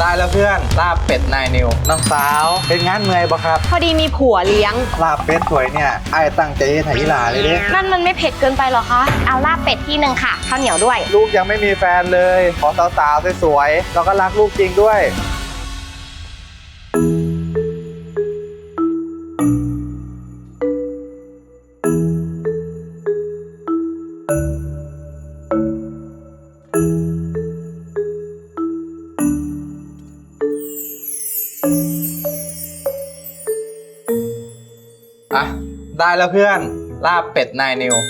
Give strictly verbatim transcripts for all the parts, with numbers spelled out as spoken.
ได้แล้วเพื่อนลาบเป็ดนายนิวน้องสาวเป็นงานเมื่อยบ่ครับพอดีมีผัวเลี้ยงลาบเป็ดสวยเนี่ยไอ้ตั้งใจให้ไถหลาเลยเด้นั่นมันไม่เผ็ดเกินไปหรอคะเอาลาบเป็ดที่หนึ่งค่ะข้าวเหนียวด้วยลูกยังไม่มีแฟนเลยขอสาวๆสวยๆแล้วก็รักลูกจริงด้วยอ่ะได้แล้วเพื่อนลาบเป็ดนายนิว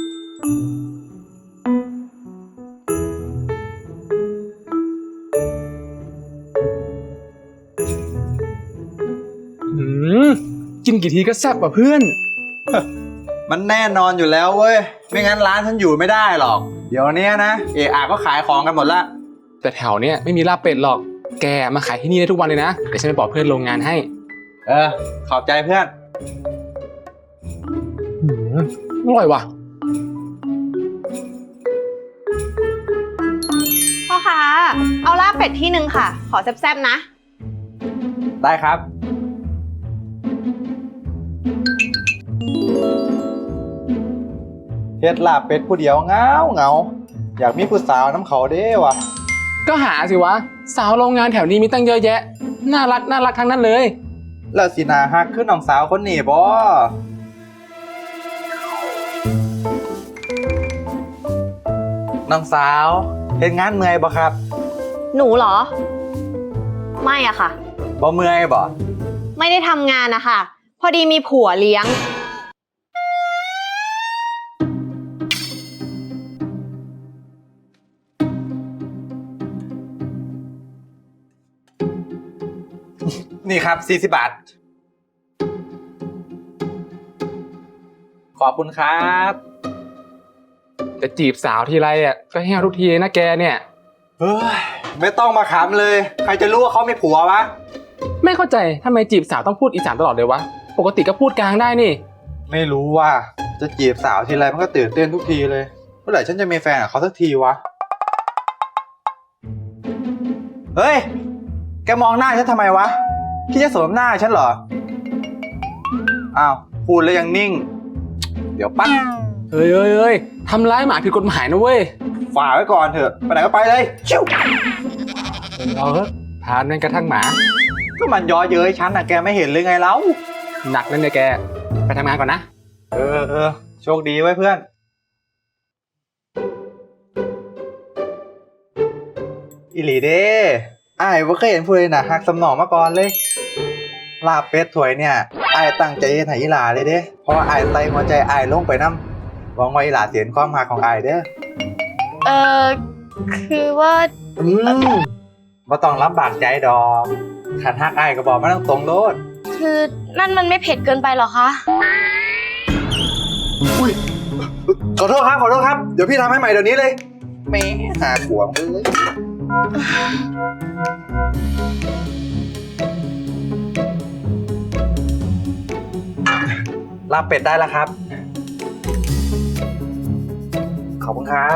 อืมกินกี่ทีก็แซ่บกว่าเพื่อนมันแน่นอนอยู่แล้วเว้ยไม่งั้นร้านฉันอยู่ไม่ได้หรอกเดี๋ยวนี้นะเออาก็ขายของกันหมดละแต่แถวเนี้ยไม่มีลาบเป็ดหรอกแกมาขายที่นี่ได้ทุกวันเลยนะเดี๋ยวฉันไปบอกเพื่อนโรงงานให้เออขอบใจเพื่อนอร่อยว่ะพ่อคะเอาลาบเป็ดที่หนึ่งค่ะขอแซ่บๆนะได้ครับเฮ็ดลาบเป็ดผู้เดียวเงาเงาอยากมีผู้สาวน้ำเขาเด้วะก็หาสิวะสาวโรงงานแถวนี้มีตั้งเยอะแยะน่ารักน่ารักทั้งนั้นเลยแล้วสินาฮักขึ้นน้องสาวคนนี้บ่น้องสาวเฮ็ดงานเมื่อยบ่ครับหนูเหรอไม่อะค่ะบ่เมื่อยบ่ไม่ได้ทำงานนะคะพอดีมีผัวเลี้ยงนี่ครับสี่สิบบาทขอบคุณครับจะจีบสาวทีไรอ่ะก็แห้วทุกทีนะแกเนี่ยเฮ้ยไม่ต้องมาขำเลยใครจะรู้ว่าเขามีผัววะไม่เข้าใจทำไมจีบสาวต้องพูดอีสานตลอดเลยวะปกติก็พูดกลางได้นี่ไม่รู้ว่าจะจีบสาวทีไรมันก็ตื่นเต้นทุกทีเลยเมื่อไหร่ฉันจะมีแฟนกับเขาสักทีวะเฮ้ยแกมองหน้าฉันทำไมวะคิดจะสวมหน้าฉันเหรออ้าวพูดแล้วยังนิ่งเดี๋ยวปั๊บเฮ้ยเฮ้ยเฮ้ยทำร้ายหมาผิดกฎหมายนะเว้ยฝ่าไว้ก่อนเถอะไปไหนก็ไปเลยชิวเราเถอะทานนั่นกระทั่งหมาก็มันย้อเย้ยฉันน่ะแกไม่เห็นเลยไงเล่าหนักนั่นเลยแกไปทำงานก่อนนะเออเออโชคดีไว้เพื่อนอิหลีเด้อ้ายว่าเคยเห็นผู้ใดน่ะหักสำนองมาก่อนเลยลาบเป็ดถวยเนี่ยอ้ายตั้งใจให้ไถอีหลาเลยเด้เพราะว่าอ้ายใส่หัวใจอ้ายลงไปนำหวังว่าอีหลาเสียนความหักของอ้ายเด้อเออคือว่าอืมบ่ต้องลำบากใจดอกขันหักอ้ายก็บอกมาตรงๆโลดคือนั่นมันไม่เผ็ดเกินไปหรอคะอุ้ยขอโทษครับขอโทษครับเดี๋ยวพี่ทำให้ใหม่เดี๋ยวนี้เลยแม่หาขวงเลยลาบเป็ดได้แล้วครับขอบคุณครับ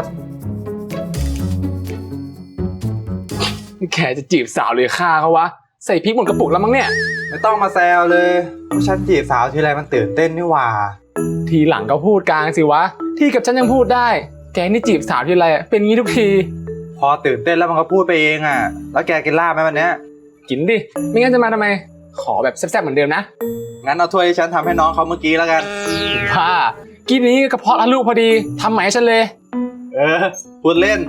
แกจะจีบสาวเลยฆ่าเขาวะใส่พริกหมดกระปุกแล้วมั้งเนี่ยไม่ต้องมาแซวเลยฉันจีบสาวทีไรมันตื่นเต้นนี่หว่าทีหลังก็พูดกลางสิวะที่กับฉันยังพูดได้แกนี่จีบสาวทีไรเป็นงี้ทุกทีพอตื่นเต้นแล้วมันก็พูดไปเองอ่ะแล้วแกกินลาบไหมวันนี้กินดิไม่งั้นจะมาทำไมขอแบบแซ่บๆเหมือนเดิมนะงั้นเอาถ้วยที่ฉันทำให้น้องเขาเมื่อกี้แล้วกันค่ะกินนี้กระเพาะละลูกพอดีทำใหม่ให้ฉันเลยเออพูดเล่น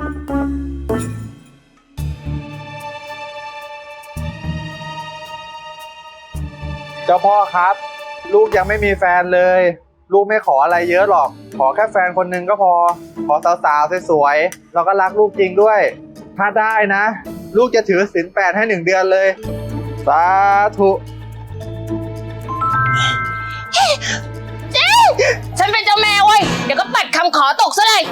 เจ้าพ่อครับลูกยังไม่มีแฟนเลยลูกไม่ขออะไรเยอะหรอกขอแค่แฟนคนหนึ่งก็พอขอสาวๆสวยๆแล้วก็รักลูกจริงด้วยถ้าได้นะลูกจะถือศีลแปดให้หนึ่งเดือนเลยสาธุเจ๊ฉันเป็นเจ้าแม่เว้ยเดี๋ยวก็ปัดคำขอตกซะเลย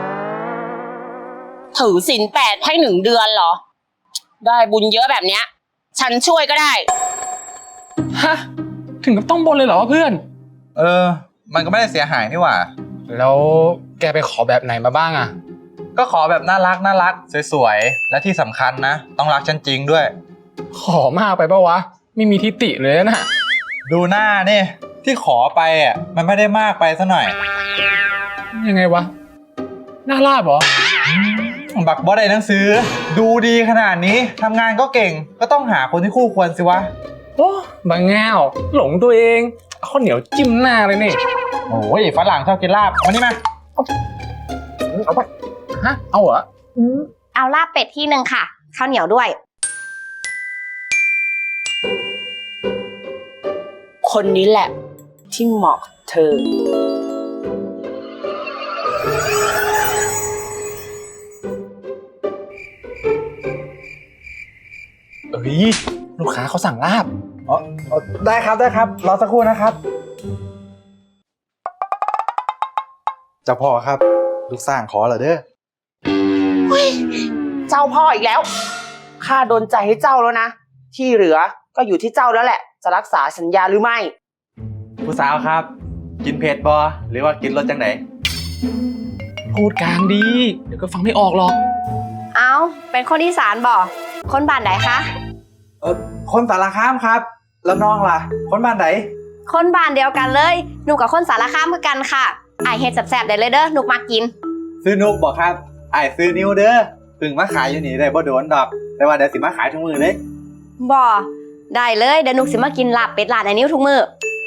ถือศีลแปดให้หนึ่งเดือนเหรอได้บุญเยอะแบบเนี้ยฉันช่วยก็ได้ฮะถึงกับต้องบนเลยเหรอเพื่อนเออมันก็ไม่ได้เสียหายนี่หว่าแล้วแกไปขอแบบไหนมาบ้างอะก็ขอแบบน่ารักน่ารักสวยๆและที่สำคัญนะ ต้องรักฉันจริงด้วยขอมากไปปะวะ ไม่มีทิฏฐิเลยนะดูหน้านี่ที่ขอไปอ่ะมันไม่ได้มากไปซะหน่อยยังไงวะหน้าลาบเหรอบักบอสได้หนังสือ ดูดีขนาดนี้ทำงานก็เก่งก็ต้องหาคนที่คู่ควรสิวะโอ้บางแง่วหลงตัวเองเอาข้าวเหนียวจิ้มหน้าเลยนี่โอ้ยฝรั่งชอบกินลาบมานี่มาเอาไปฮะเอาเหรอเอาลาบเป็ดที่หนึ่งค่ะ ข้าวเหนียวด้วยคนนี้แหละ ที่เหมาะกับเธอเอ้ยลูกค้าเขาสั่งลาบอ๋ออ๋อได้ครับได้ครับรอสักครู่นะครับเจ้าพ่อครับ ลูกสร้างขอเหรอเด้อเจ้าพ่ออีกแล้วข้าโดนใจให้เจ้าแล้วนะ ที่เหลือก็อยู่ที่เจ้าแล้วแหละ จะรักษาสัญญาหรือไม่ผู้สาวครับ กินเผ็ดบอหรือว่ากินรสจังไหนพูดกลางดี เดี๋ยวก็ฟังไม่ออกหรอกเอาเป็นคนอีสานบ่คนบ้านไหนคะเออคนสารคามครับ แล้วน้องล่ะ คนบ้านไหนคนบ้านเดียวกันเลยหนูกับคนสารคามคือกันค่ะไอายเฮ็ดแซ่บๆได้เลยเด้อหนูมากินซื้อนุกบอกครับไอ้ายซื้อนิ้วเด้อเพึ่งมาขายอยู่นี่ได้บ่โดนดอก แต่ว่าเดี๋ยวสิมาขายทุกมือเลยบ่ได้เลยเดี๋ยวหนูสิมากินลาบเป็ดร้านไอ้นิ้วทุกมื้อ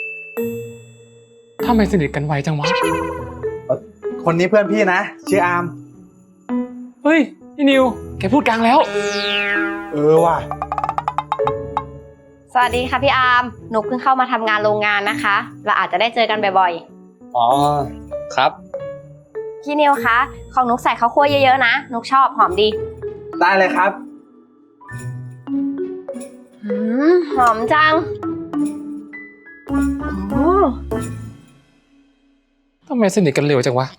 ทำไมสนิทกันไวจังวะคนนี้เพื่อนพี่นะ ชื่ออาร์มเฮ้ยพี่นิว แกพูดกลางแล้วเออว่ะสวัสดีค่ะพี่อาร์มหนูเพิ่งเข้ามาทำงานโรงงานนะคะเราอาจจะได้เจอกันบ่อยอ๋อ ครับๆพี่นิวคะของนุกใส่ข้าวคั่วเยอะๆนะนุกชอบหอมดีได้เลยครับอืมหอมจังอืมทำไมสนิทกันเร็วจังวะ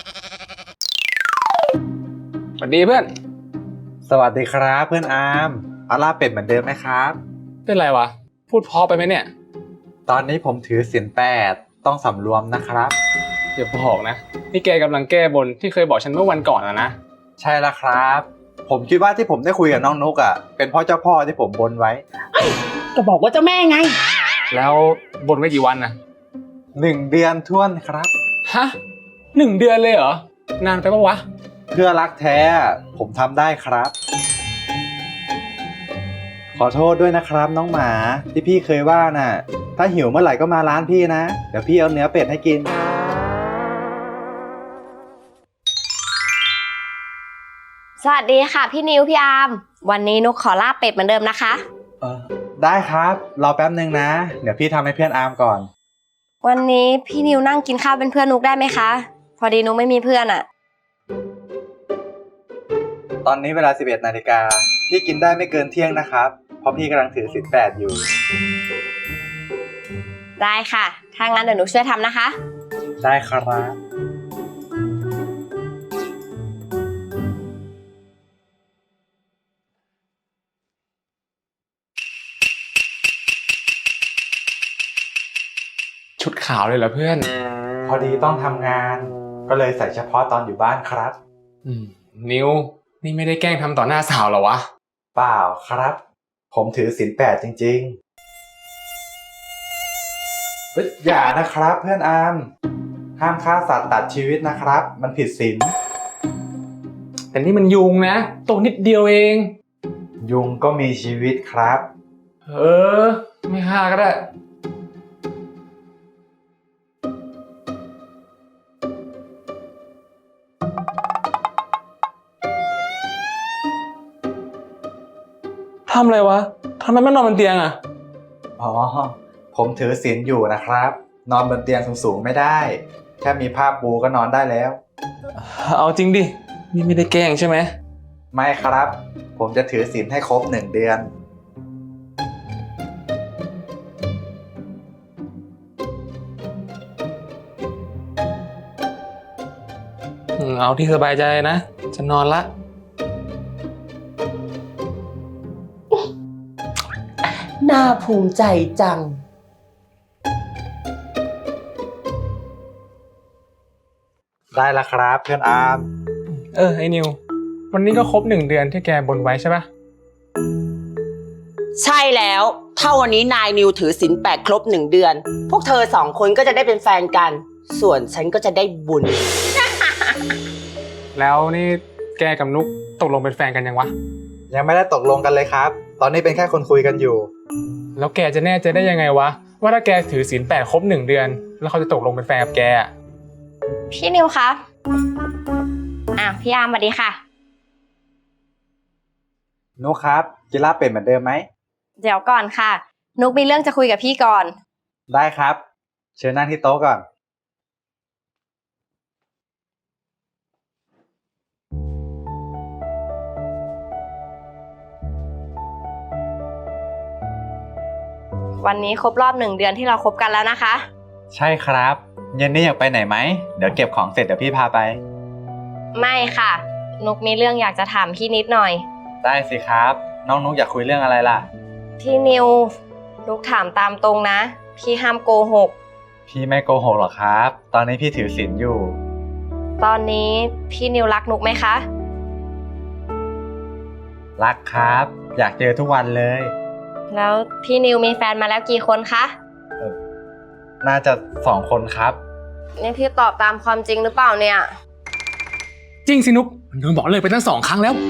สวัสดีเพื่อนสวัสดีครับเพื่อนอาร์มเอาลาบเป็ดเหมือนเดิมไหมครับเป็นไรวะ พูดเพอไปไหมเนี่ยตอนนี้ผมถือศีลแปดต้องสำรวมนะครับอย่าบอกนะ นี่แกกำลังแก้บนที่เคยบอกฉันเมื่อวันก่อนอะนะใช่แล้วครับ ผมคิดว่าที่ผมได้คุยกับน้องนุกอ่ะเป็นเพ่อเจ้าพ่อที่ผมบนไว้ก็บอกว่าเจ้าแม่ไงแล้วบนไว้กี่วันนะหนึ่งเดือนท้วนครับฮะหนึ่งเดือนเลยเหรอ นานไปปะวะเพื่อรักแท้ผมทำได้ครับ ขอโทษด้วยนะครับน้องหมาที่พี่เคยว่าน่ะ ถ้าหิวเมื่อไหร่ก็มาร้านพี่นะ เดี๋ยวพี่เอาเนื้อเป็ดให้กินสวัสดีค่ะพี่นิวพี่อาร์มวันนี้นุกขอลาบเป็ดเหมือนเดิมนะคะเออได้ครับรอแป๊บนึงนะ เดี๋ยวพี่ทำให้เพื่อนอาร์มก่อนวันนี้พี่นิวนั่งกินข้าวเป็นเพื่อนนุกได้ไหมคะ พอดีนุกไม่มีเพื่อนอะตอนนี้เวลาสิบเอ็ดนาฬิกาพี่กินได้ไม่เกินเที่ยงนะครับ เพราะพี่กำลังถือศีลแปดอยู่ได้ค่ะ ถ้างั้นเดี๋ยวนุกช่วยทำนะคะได้ครับชุดขาวเลยเหรอเพื่อนพอดีต้องทำงาน ก็เลยใส่เฉพาะตอนอยู่บ้านครับอืม นิว นี่ไม่ได้แกล้งทำต่อหน้าสาวเหรอวะเปล่าครับ ผมถือศีลแปดจริงๆเฮ้ยอย่านะครับเพื่อนอาร์มห้ามฆ่าสัตว์ตัดชีวิตนะครับ มันผิดศีลแต่นี่มันยุงนะตัวนิดเดียวเองยุงก็มีชีวิตครับเออ ไม่ฆ่าก็ได้ ทำอะไรวะ ทำไมไม่นอนบนเตียงอ่ะอ๋อ ผมถือศีลอยู่นะครับ นอนบนเตียงสูงๆไม่ได้ แค่มีผ้าปูก็นอนได้แล้วเอาจริงดิ นี่ไม่ได้แกล้งใช่ไหมไม่ครับ ผมจะถือศีลให้ครบหนึ่งเดือนอืมเอาที่สบายใจนะ จะนอนละน่าภูมิใจจังได้แล้วครับเพื่อนอาร์มเออไอ้นิววันนี้ก็ครบหนึ่งเดือนที่แกบนไว้ใช่ปะใช่แล้วถ้าวันนี้นายนิวถือศีลแปดครบหนึ่งเดือน พวกเธอสองคนก็จะได้เป็นแฟนกัน ส่วนฉันก็จะได้บุญแล้วนี่แกกับนุกตกลงเป็นแฟนกันยังวะยังไม่ได้ตกลงกันเลยครับ ตอนนี้เป็นแค่คนคุยกันอยู่แล้วแกจะแน่ใจได้ยังไงวะว่าถ้าแกถือศีลแปดครบหนึ่งเดือน แล้วเขาจะตกลงเป็นแฟนกับแกอะพี่นิวคะอ่ะพี่อาร์มสวัสดีค่ะนุกครับกินลาบเป็ดเหมือนเดิมไหมเดี๋ยวก่อนค่ะ นุกมีเรื่องจะคุยกับพี่ก่อนได้ครับ เชิญนั่งที่โต๊ะก่อนวันนี้ครบรอบหนึ่งเดือนที่เราคบกันแล้วนะคะใช่ครับเย็นนี้อยากไปไหนไหมเดี๋ยวเก็บของเสร็จเดี๋ยวพี่พาไปไม่ค่ะ นุกมีเรื่องอยากจะถามพี่นิดหน่อยได้สิครับ น้องนุกอยากคุยเรื่องอะไรล่ะพี่นิว นุกถามตามตรงนะ พี่ห้ามโกหกพี่ไม่โกหกหรอกครับ ตอนนี้พี่ถือศีลอยู่ตอนนี้พี่นิวรักนุกไหมคะรักครับ อยากเจอทุกวันเลยแล้วพี่นิวมีแฟนมาแล้วกี่คนคะน่าจะสองคนครับนี่พี่ตอบตามความจริงหรือเปล่าเนี่ยจริงสินุกโดนบอกเลยไปตั้งสองครั้งแล้ว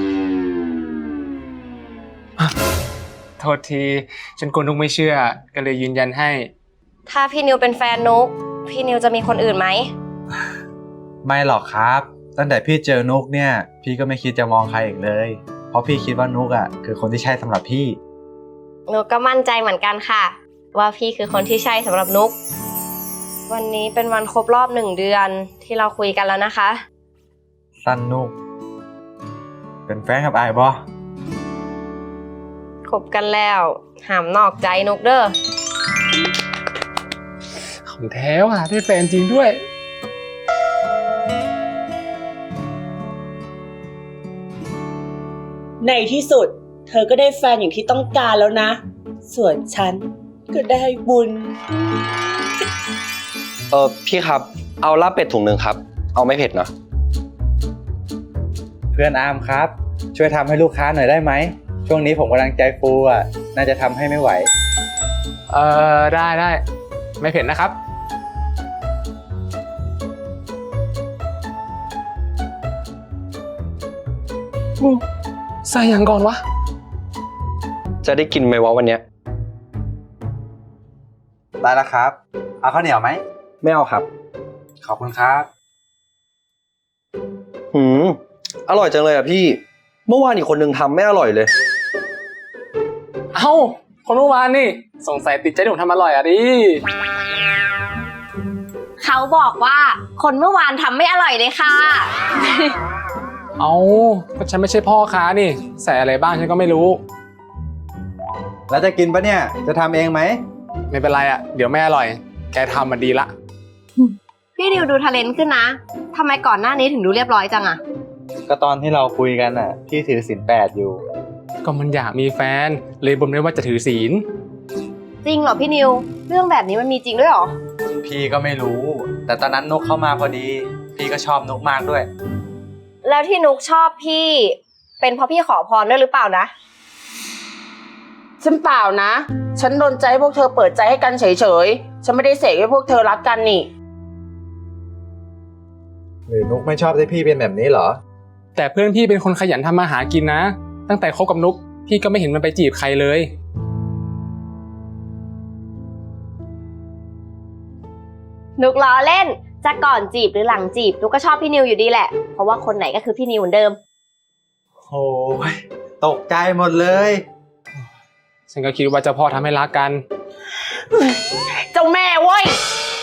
อ่ะโทษทีฉันกลัวนุกไม่เชื่อก็เลยยืนยันให้ถ้าพี่นิวเป็นแฟนนุกพี่นิวจะมีคนอื่นไหมไม่หรอกครับ ตั้งแต่พี่เจอนุกเนี่ย พี่ก็ไม่คิดจะมองใครอีกเลย เพราะพี่คิดว่านุกอ่ะคือคนที่ใช่สำหรับพี่นุกก็มั่นใจเหมือนกันค่ะ ว่าพี่คือคนที่ใช่สำหรับนุกวันนี้เป็นวันครบรอบหนึ่งเดือนที่เราคุยกันแล้วนะคะสั้นนุก เป็นแฟนกับไอ้บอคบกันแล้วห้ามนอกใจนุกเด้อของแท้ว่ะได้แฟนจริงด้วยในที่สุด เธอก็ได้แฟนอย่างที่ต้องการแล้วนะ ส่วนฉันก็ได้บุญเออพี่ครับ เอาลาบเป็ดถุงหนึ่งครับ เอาไม่เผ็ดเนาะเพื่อนอาร์มครับ ช่วยทำให้ลูกค้าหน่อยได้ไหม ช่วงนี้ผมกำลังใจฟูอ่ะ น่าจะทำให้ไม่ไหวเออได้ได้ไม่เผ็ดนะครับอืมใส่ยังก่อนวะจะได้กินไหมวะวันเนี้ยได้แล้วครับ เอาข้าวเหนียวไหมไม่เอาครับขอบคุณครับหืม อร่อยจังเลยอ่ะพี่ เมื่อวานอีกคนนึงทำไม่อร่อยเลยเอ้าคนเมื่อวานนี่สงสัยติดใจที่ผมทำอร่อยอ่ะดิเขาบอกว่าคนเมื่อวานทำไม่อร่อยเลยค่ะเอ้าก็ฉันไม่ใช่พ่อค้านี่ ใส่อะไรบ้างฉันก็ไม่รู้แล้วจะกินปะเนี่ย จะทำเองไหมไม่เป็นไรอ่ะเดี๋ยวไม่อร่อย แกทำมันดีละพี่นิวดูทะเลนขึ้นนะทำไมก่อนหน้านี้ถึงดูเรียบร้อยจังอะก็ตอนที่เราคุยกันอ่ะ พี่ถือศีลแปดอยู่ก็มันอยากมีแฟนเลยบ่นไม่ว่าจะถือศีลจริงเหรอพี่นิว เรื่องแบบนี้มันมีจริงด้วยเหรอพี่ก็ไม่รู้ แต่ตอนนั้นนุกเข้ามาพอดี พี่ก็ชอบนุกมากด้วยแล้วที่นุกชอบพี่ เป็นเพราะพี่ขอพรด้วยหรือเปล่านะฉันเปล่านะ ฉันโดนใจให้พวกเธอเปิดใจให้กันเฉยๆ ฉันไม่ได้เสกให้พวกเธอรักกันนี่หรือนุกไม่ชอบที่พี่เป็นแบบนี้เหรอแต่เพื่อนพี่เป็นคนขยันทำมาหากินนะ ตั้งแต่คบกับนุกพี่ก็ไม่เห็นมันไปจีบใครเลยนุกล้อเล่น จะก่อนจีบหรือหลังจีบนุกก็ชอบพี่นิวอยู่ดีแหละ เพราะว่าคนไหนก็คือพี่นิวเหมือนเดิมโอ้ยตกใจหมดเลยฉันก็คิดว่าเจ้าพ่อทำให้รักกันเจ้าแม่เว้ย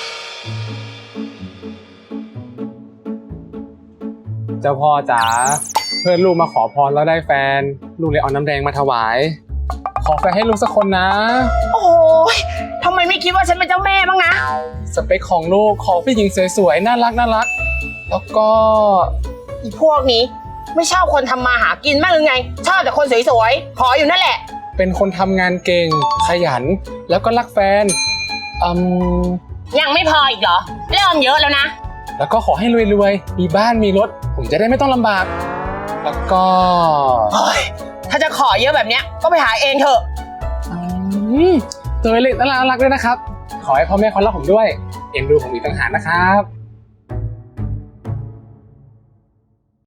เจ้าพ่อจ๋าเพื่อนลูกมาขอพรแล้วได้แฟน ลูกเลยเอาน้ำแดงมาถวาย ขอแฟนให้ลูกสักคนนะโอ้ยทำไมไม่คิดว่าฉันเป็นเจ้าแม่บ้างนะสเปคของลูกขอผู้หญิงสวยๆน่ารักน่ารักแล้วก็อีพวกนี้ ไม่ชอบคนทำมาหากินมากหรือไง ชอบแต่คนสวยๆ ขออยู่นั่นแหละเป็นคนทำงานเก่งขยันแล้วก็รักแฟนอืมยังไม่พออีกเหรอ เริ่มเยอะแล้วนะแล้วก็ขอให้รวยๆมีบ้านมีรถผมจะได้ไม่ต้องลำบาก แล้วก็เฮ้ย ถ้าจะขอเยอะแบบเนี้ยก็ไปหาเองเถอะอืมตัวเล็กน่ารักด้วยนะครับ ขอให้พ่อแม่เขารักผมด้วย เอ็นดูผมอีกต่างหากนะครับ